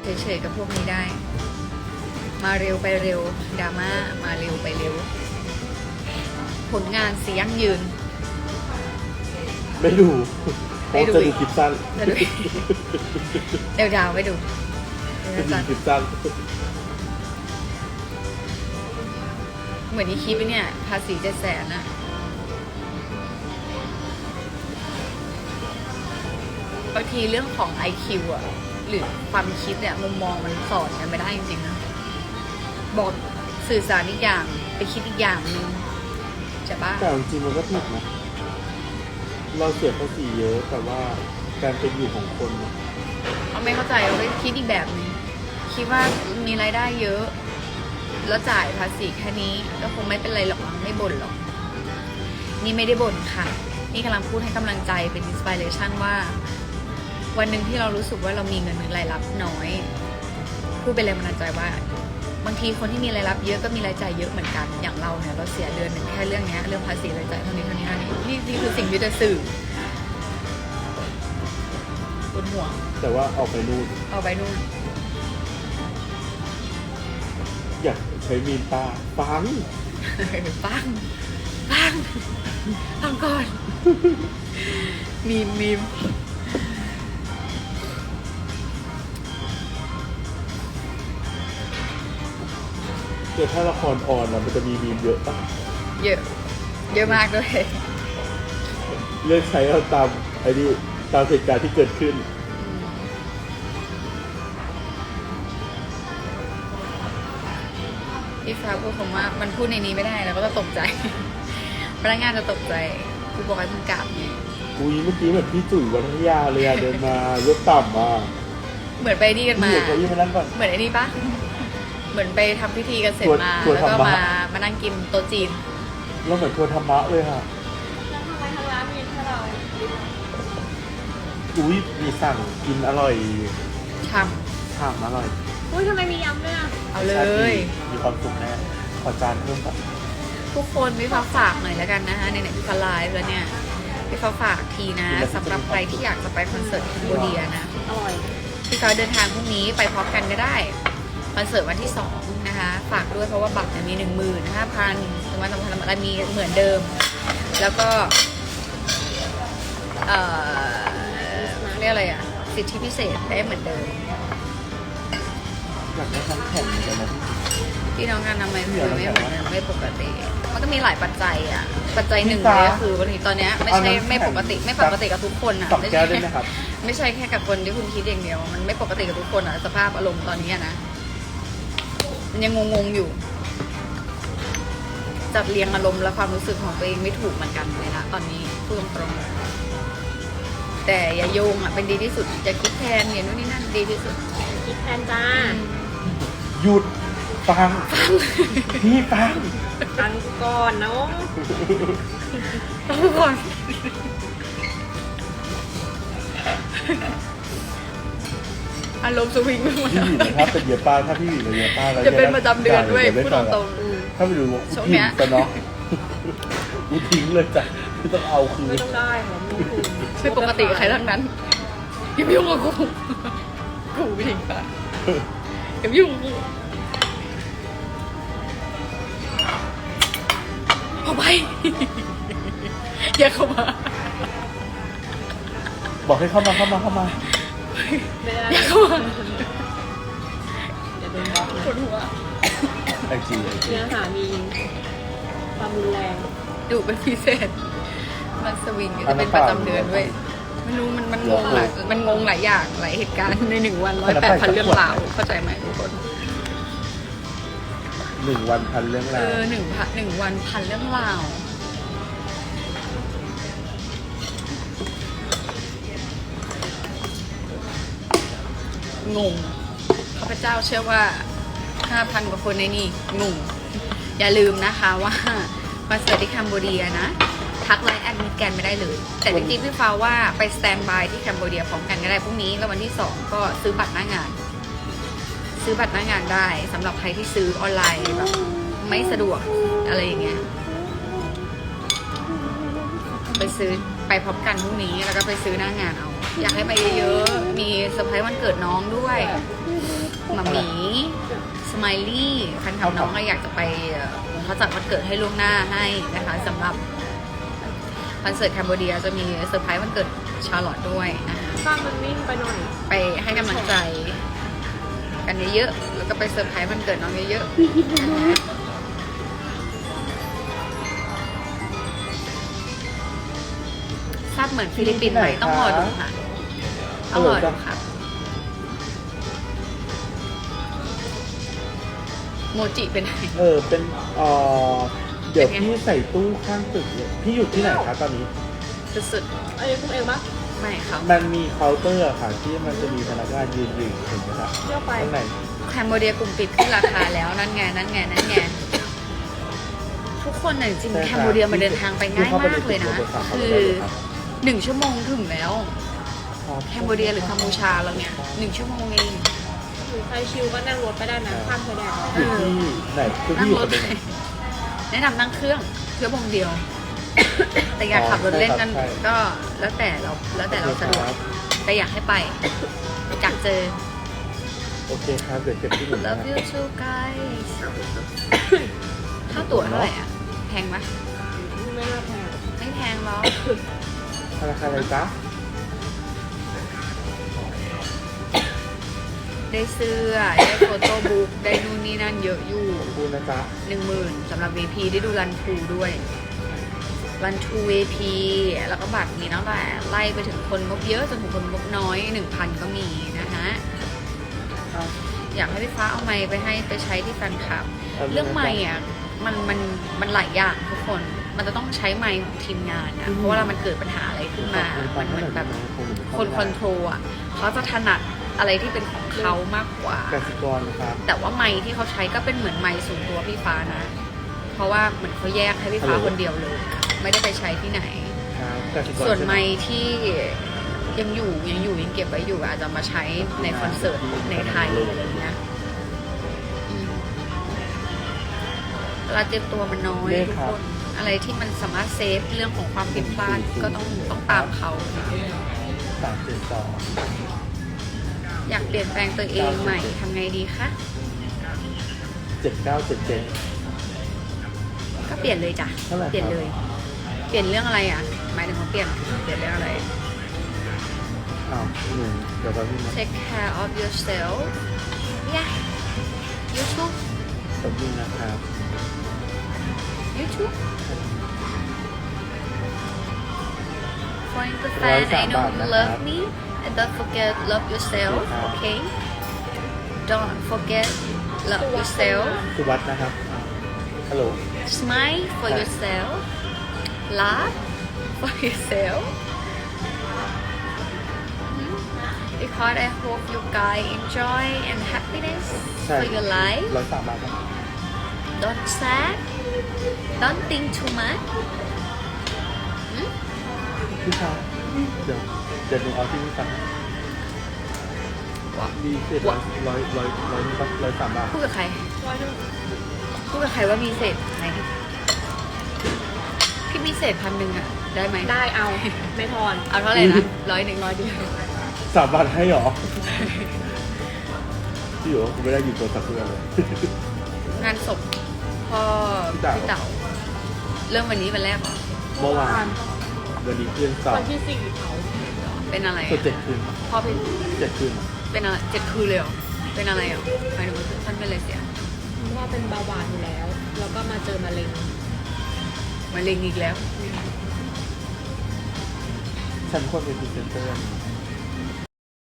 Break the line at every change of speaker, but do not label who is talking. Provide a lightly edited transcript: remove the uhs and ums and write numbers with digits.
เฉยๆกับพวกนี้ได้ มาเร็วไปเร็วดราม่ามาเร็วไปเร็ว ผลงานเสียงยืน
ไม่ดูเพราะจะดูคลิปสั้น
จะดูเดี๋ยวดาวไปดู
จะดูคลิปสั้น
เหมือนที่คลิปเนี่ยภาษี700,000อะบางทีเรื่องของ IQ อะหรือความคิดเนี่ยมุมมองมันสอนกันไม่ได้จริงๆนะบอกสื่อสารอีกอย่างไปคิดอีกอย่างนึงใช่ปะ
แต่จริงๆมันก็ถูกนะเราเสียภาษีเยอะแต่ว่าการเป็นอยู่ของคนเนี่ย
เขาไม่เข้าใจเขาไปคิดอีกแบบนึงคิดว่ามีรายได้เยอะ แล้วจ่ายภาษีแค่นี้ก็คงไม่เป็นไรหรอกไม่บ่นหรอกนี่ไม่ได้บ่นค่ะนี่กำลังพูดให้กำลังใจเป็นอินสปิเรชันว่าวันหนึ่งที่เรารู้สึกว่าเรามีเงินรายรับน้อยพูดเป็นแรงบันดาลใจว่าบางทีคนที่มีรายรับเยอะก็มีรายจ่ายเยอะเหมือนกันอย่างเราเนี่ยเราเสียเดือนหนึ่งแค่เรื่องนี้เรื่องภาษีรายจ่ายเท่านี้นี่คือสิ่งที่จะสื่อปวดหัว
แต่ว่าออกไปนู่น
เอาไปนู่น
อยากใช้มีนตาฟัง
ปังฟังก่อน มีม
เดี๋ยวถ้าละครออนมันจะมีมีนเยอะปะ
เยอะมากด้วย
เลือกใช้เอาตามไอ้นี่ตามเหตุการณ์ที่เกิดขึ้น
พี่ฟ้าพูดคำว่ามันพูดในนี้ไม่ได้แล้วก็จะตกใจ พนักงานจะตกใจกูบอกให้มึงกลับเนี่ย
อุ้ยเมื่อกี้แบบพี่จุ๋ยวัฒนยาเลยอะเดินมายกต่ำมา
เหมือนไปนี่กันมา
พี่เอกเขายิ่งมานั่งก่อน
เหมือนไอ้นี่ปะเหมือนไปทำพิธีกันเสร็จมา
ทัวร์
แล้วก็
ธรรมะ
มานั่งกินโต๊ะจีน
แล้วเหมือนทัวร์ธรรมะเลยค่ะ
แล้วทำไมทางร้านมีแค่เรา
อุ้ยมีสั่งกินอร่อย
ท
ชามอร่อย
อุ้ยทำไมมียำด้วยอ่ะ
ำเอาเลย
มีความสุขแน่ขอจานเพิ่มก่อน
ทุกคนพี่ฟ้าฝากหน่อยแล้วกันนะคะในพี่ฟ้าไลฟ์แล้วเนี่ยพี่ฟ้าฝากทีนะสำหรับใครที่อยากจะไปคอนเสิร์ตแคนโบเดียนะ
อร่อย
พี่ฟ้าเดินทางพรุ่งนี้ไปพร้อมกันก็ได้คอนเสิร์ตวันที่2นะคะฝากด้วยเพราะว่าบัตรเนี่ยมี 15,000ถึงวันสำคัญอะไรมีเหมือนเดิม แล้วก็เรียกอะไรอ่ะสิทธิพิเศษได้เหมือนเดิม
อยากได้ทั้งแผ่นเหมือนกันนะ
ที่น้องงานทำไมคือไม่เหมือนเดิมไม่ปกติ มันก็มีหลายปัจจัยอ่ะ ปัจจัยหนึ่งเลยก็คือวันนี้ตอนเนี้ยไม่ใช่ไม่ปกติกับทุกคนอ่ะ
สองแก้วได้ไหมครับ
ไม่ใช่แค่กับคนที่คุณคิดอย่างเดียว มันไม่ปกติกับทุกคนอ่ะสภาพอารมณ์ตอนนี้นะมันยังงงๆอยู่ จัดเรียงอารมณ์และความรู้สึกของตัวเองไม่ถูกเหมือนกันเลยนะตอนนี้พูดตรงๆแต่อย่าโยงอ่ะเป็นดีที่สุดอย่าคิดแทนเนี่ยนู่นนี่นั่นดีที่สุด
คิดแทนจ้า
หยุดฟัง พี่ฟัง
ฟังก่อนน้อง
ต้องก่อนอารมณ์สวิงไปหมด
พี่หวีนะครับเป็นเดียป้าถ้าพี่หวีเป็นเดียป้าแล้ว
จะเป็นประจำเดือนด้วยพูดตรง
ถ้าไปดูว่า
ช่วง
ทิ้
เนี้
ง
ย
กันเนาะกูทิ้งเลยจ้ะที่ต้องเอาคื
ไม่
น
ต้องได้ของมึงคือ
ๆไม่ปกติกับใครทั้งนั้นอย่ามายุ่งกับกูกูไม่ทิ้งปะอย่ามายุ่งกับกูเอาไป อย่าเข้ามา
บอกให้เข้ามา
ไม่ได้
อย่าเข้ามา
เดี๋ยวโดนบล็อกนะ
ปวดหัว
ไอจี
เนื้อหามีความรุนแรง
ดุเป็นพิเศษ มันสวิงจะเป็นประจำเดือนด้วยไม่รู้มันงงหลายมันงงหลายอย่างหลายเหตุการณ์ใน1 วัน108,000เรื่องราวเข้าใจไหมทุกคน
1 วันพันเรื่องราว
1 วันพันเรื่องราวงงข้าพเจ้าเชื่อว่า 5,000 กว่าคนในนี่งงอย่าลืมนะคะว่าคอนเสิร์ตที่แคนเบเดียนะ ทักไลน์แอดมิดแกนไม่ได้เลย แต่จริงๆพี่ฟ้าว่าไปสแตนบายที่แคนเบเดียพร้อมกันก็ได้พรุ่งนี้แล้ววันที่ 2 ก็ซื้อบัตรหน้างาน ซื้อบัตรหน้างานได้สำหรับใครที่ซื้อออนไลน์แบบไม่สะดวกอะไรอย่างเงี้ยไปซื้อไปพร้อมกันพรุ่งนี้แล้วก็ไปซื้อหน้างานเอาอยากให้ไปเยอะๆมีเซอร์ไพรส์วันเกิดน้องด้วยหมาหมีสไมลี่แฟนคลับน้องก็อยากจะไปเขาจัดวันเกิดให้ล่วงหน้าให้นะคะสำหรับคอนเสิร์ตแคนเบอร์เดียจะมีเซอร์ไพรส์วันเกิดชาร์ลอตด้วยนะคะ
ข้างมันวิ่งไปหน่อย
ไปให้กำลังใจกันเยอะๆแล้วก็ไปเซอร์ไพรส์วันเกิดน้องเยอะๆทราบเหมือนฟิลิปปินส์ไหมต้องรอดูค่ะต้องรอดูครับโมจิเป็นไง
เป็นเดี๋ยวพี่ใส่ตู้ข้างตึกเนี่ยพี่อยู่ที่ไหนคะตอนนี้
สุด
อันนี้คุณเองปะ
ๆไม่ครับ
มันมีเคาน์เตอร์อะค่ะที่มันจะมีพนักงานยืนอยู่เห็นไหมคะ
เที่ยวไป
ข้างใน
แคนเบอร์เดียกลุ่มปิดขึ้นราคาแล้วนั่นไงทุกคนน่ะจริงๆแคนเบอร์เดียมันเดินทางไปง่ายมากเลยนะคือ1 ชั่วโมงถึงแล้วแคนเบอร์เดียหรือกัมพูชาเราเนี่ย1 ชั่วโมงเอง
หรือใครชิลก็นั่งรถไปได้นะข้ามชายแดน
อยู่ที่ไหนคือ
นั่
พี่
ง
อยู่
ร
ค
ถ
นเดียว
ไปแนะนำนั่งเครื่องวงเดียว แต่อยากขับรถเล่นกันก็แล้วแต่เราสะดวกแต่อยากให้ไปอยากเจอ
โอเคครับเดี๋ยวเก็บที่หนึ่งนะ
Love you too guys ค่าตั๋วเท่าไหร่อ่ะแพงไหม
ไม่น่าแพง
ไม่แพงหรอก
ธนาคารอะไรจ๊ะ
ได้เสื้อได้โฟโต้บุ๊กได้นู่นนี่นั่นเยอะอยู่
ขอบคุณนะจ๊ะ
10,000สำหรับ VP ได้ดูรันทูด้วยรันทู VP แล้วก็บัตรมีตั้งแต่ไล่ไปถึงคนงบเยอะจนถึงคนงบน้อย 1,000 ก็มีนะฮะอยากให้พี่ฟ้าเอาไมค์ไปใช้ที่แฟนคลับ เรื่องไมค์อ่ะมันหลายอย่างทุกคนมันจะต้องใช้ไมค์ของทีมงานนะเพราะว่ามันเกิดปัญหาอะไรขึ้นมามันเหมือนแบบคนคอนโทรลอ่ะเขาจะถนัดอะไรที่เป็นของเขามากกว่า
กสิกรนะครับ
แต่ว่าไมค์ที่เขาใช้ก็เป็นเหมือนไมค์ส่วนตัวพี่ฟ้านะ เพราะว่าเหมือนเขาแยกให้พี่ฟ้าคนเดียวเลย ไม่ได้ไปใช้ที่ไหน
ครับกสิกร
ส่วน
ใช่ห
ไมค์ที่ยังเก็บไว้อยู่อาจจะมาใช้ในคอนเสิร์ตในไทยอะไรอย่างเงี้ยอืมเวลาเตรียมตัวมันน้อยทุกคนอะไรที่มันสามารถเซฟเรื่องของความผิดพลาดก็ต้องตามเขา
372
อยากเปลี่ยนแปลงตัวเองใหม่ทำไงดีคะ
7977
ก็เปลี่ยนเลยจ้ะ
เท่าไหร่ครับ
เปลี่ยนเลย เปลี่ยนเรื่องอะไรอ่ะ หมายถึงว่าเปลี่ยนเรื่องอะไร
อ้าวหนึ่งเดี๋ยวแป๊บนึงนะ
Take care of yourself yeah YouTube
แป๊บนึงนะครับ
YouTube For the fan I know you love me and don't forget love yourself okay don't forget love yourself
สุวัฒน์นะครับฮัลโหล
smile for yourself laugh for yourself because I hope you guys enjoy and happiness
ใช่
for your life
103 บาทครับ
don't sad don't think too much
พี่ชายเดี๋ยวหนูเอาที่พี่ฟังมีเศษ103 บาท
พูดกับใคร
ร้อยหนึ่ง
พูดกับใครว่ามีเศษไหนพี่มีเศษ1,000อ่ะ ได้ไหม
ได้เอา ไม่ทอน
เอาเท่าไหร่นะ100เดียว
3 บาทให้หรอ พี่อยู่กูไม่ได้หยิบโทรศัพท์เพื่อนเลย
งานศพพ่อ
พี่เต๋า
พี่เต๋าเริ่มวันนี้วันแรกเหรอ
เมื่อวานวันนี้คืนสอง
วันที่สี่เขา
เป็นอะไร
ส่วน
อ่ะ
7 คืน
พ่อเป็น
7 คืน
เป็นอะไร7 คืนเลยเหรอเป็นอะไรอ่ะหมายถึงว่าท่านเป็นอะไรเสีย
เพราะว่าเป็นเบาหวานอยู่แล้ว แล้วก็มาเจอมะเร็ง
มะเร็งอีกแล้ว
ฉันควรเป็นพรีเซนเตอร์